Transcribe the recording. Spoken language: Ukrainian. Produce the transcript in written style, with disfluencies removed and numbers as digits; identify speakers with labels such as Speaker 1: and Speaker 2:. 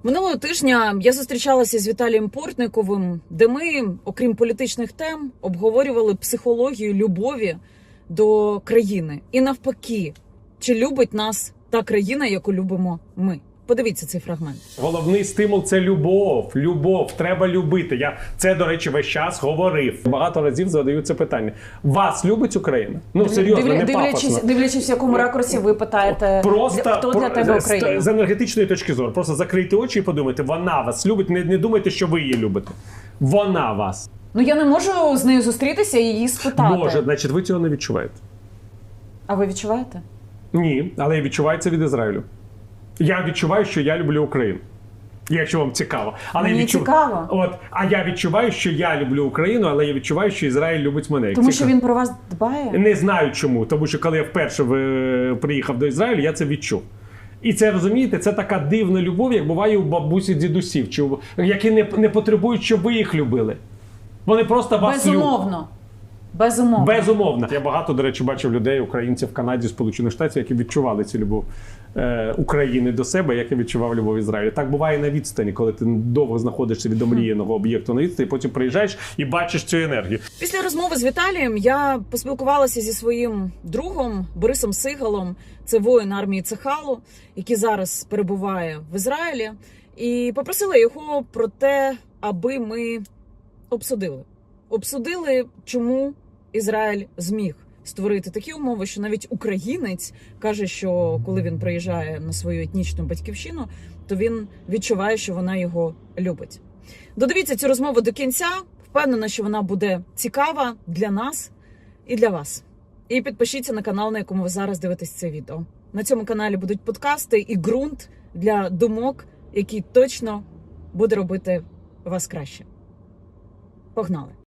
Speaker 1: Минулого тижня я зустрічалася з Віталієм Портниковим, де ми, окрім політичних тем, обговорювали психологію любові до країни. І навпаки, чи любить нас та країна, яку любимо ми. Подивіться цей фрагмент.
Speaker 2: Головний стимул – це любов. Любов. Треба любити. Я це, до речі, весь час говорив. Багато разів задаю це питання. Вас любить Україна? Ну, серйозно, не пафосно.
Speaker 1: Дивлячись, в якому ракурсі ви питаєте, хто для тебе Україна?
Speaker 2: З енергетичної точки зору. Просто закрийте очі і подумайте, вона вас любить. Не думайте, що ви її любите. Вона вас.
Speaker 1: Ну, я не можу з нею зустрітися і її спитати.
Speaker 2: Може, значить, ви цього не відчуваєте.
Speaker 1: А ви відчуваєте?
Speaker 2: Ні, але я відчуваю це від Ізраїлю. Я відчуваю, що я люблю Україну. Якщо вам цікаво. Але
Speaker 1: мені цікаво.
Speaker 2: А я відчуваю, що я люблю Україну, але я відчуваю, що Ізраїль любить мене.
Speaker 1: Тому що він про вас дбає?
Speaker 2: Не знаю чому. Тому що коли я вперше приїхав до Ізраїлю, я це відчув. І це, розумієте, це така дивна любов, як буває у бабусі дідусів, які не потребують, щоб ви їх любили. Вони просто вас люблять.
Speaker 1: Безумовно. Безумовно.
Speaker 2: Безумовно. Я багато, до речі, бачив людей, українців в Канаді, Сполучених Штатів, які відчували цю любов України до себе, як я відчував любов Ізраїлю. Так буває на відстані, коли ти довго знаходишся від омріяного об'єкту на відстані, потім приїжджаєш і бачиш цю енергію.
Speaker 1: Після розмови з Віталієм я поспілкувалася зі своїм другом Борисом Сигалом. Це воїн армії Цехалу, який зараз перебуває в Ізраїлі. І попросила його про те, аби ми обсудили, чому Ізраїль зміг створити такі умови, що навіть українець каже, що коли він приїжджає на свою етнічну батьківщину, то він відчуває, що вона його любить. Додивіться цю розмову до кінця. Впевнена, що вона буде цікава для нас і для вас. І підпишіться на канал, на якому ви зараз дивитесь це відео. На цьому каналі будуть подкасти і ґрунт для думок, який точно буде робити вас краще. Погнали!